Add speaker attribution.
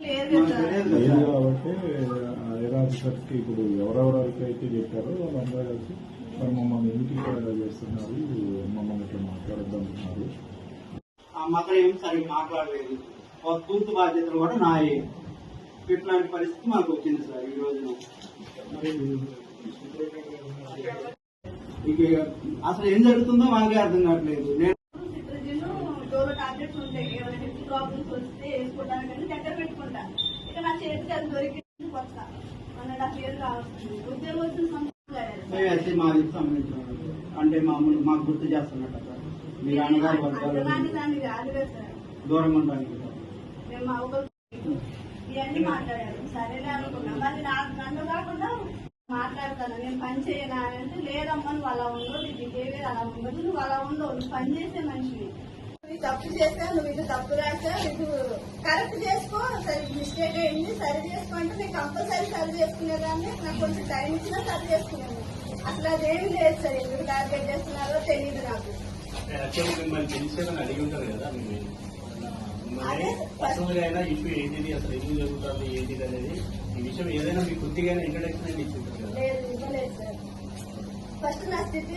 Speaker 1: కాబట్టి ఐఆర్ ఆఫీసర్కి ఇప్పుడు ఎవరెవరికి అయితే చెప్పారో వాళ్ళందరూ కలిసి మరి మమ్మల్ని ఎందుకు చేస్తున్నారు, మమ్మల్ని ఇట్లా మాట్లాడద్దంటున్నారు.
Speaker 2: మాత్రం ఏం సరిగ్గా మాట్లాడలేదు. పూర్తి బాధ్యతలు కూడా నాయే. ఇట్లాంటి పరిస్థితి మాకు వచ్చింది సార్ ఈ రోజున. అసలు ఏం జరుగుతుందో మాకే అర్థం కావట్లేదు.
Speaker 3: టాబ్లెట్స్ ఉంటాయి, ఏమైనా హెల్త్ ప్రాబ్లమ్స్ వస్తే వేసుకోవడానికి దగ్గర పెట్టుకుంటా. ఇక నా చేతికి అది దొరికింది కొత్త 1.5 years కావస్తుంది. ఉద్యోగం
Speaker 2: మాది సంబంధించిన అంటే మామూలు మాకు గుర్తు చేస్తున్నట్టు సార్. మీరు అన్నగారు దూరం ఉండడానికి
Speaker 3: ఇవన్నీ మాట్లాడారు. సరేలే అనుకున్నా. మరి నన్ను కాకుండా మాట్లాడతాను, నేను పని చేయనా అంటే లేదమ్మా నువ్వు అలా ఉండవు, నీ బిహేవియర్ అలా ఉండదు, నువ్వు అలా ఉండవు, నువ్వు పని చేసే మనిషివి, నువ్వు తప్పు చేసా, నువ్వు ఇది తప్పు రాసా, ఇది కరెక్ట్ చేసుకో, సరే మిస్టేక్ అయింది సరి చేసుకో అంటే నేను కంపల్సరీ సరి చేసుకునేదాన్ని. నాకు కొంచెం టైం ఇచ్చినా సరి చేసుకునేది. అసలు అదేమి లేదు సార్. ఎందుకు టార్గెట్ చేస్తున్నారో తెలియదు నాకు. లేదు ఇవ్వలేదు సార్. ఫస్ట్ నా స్థితి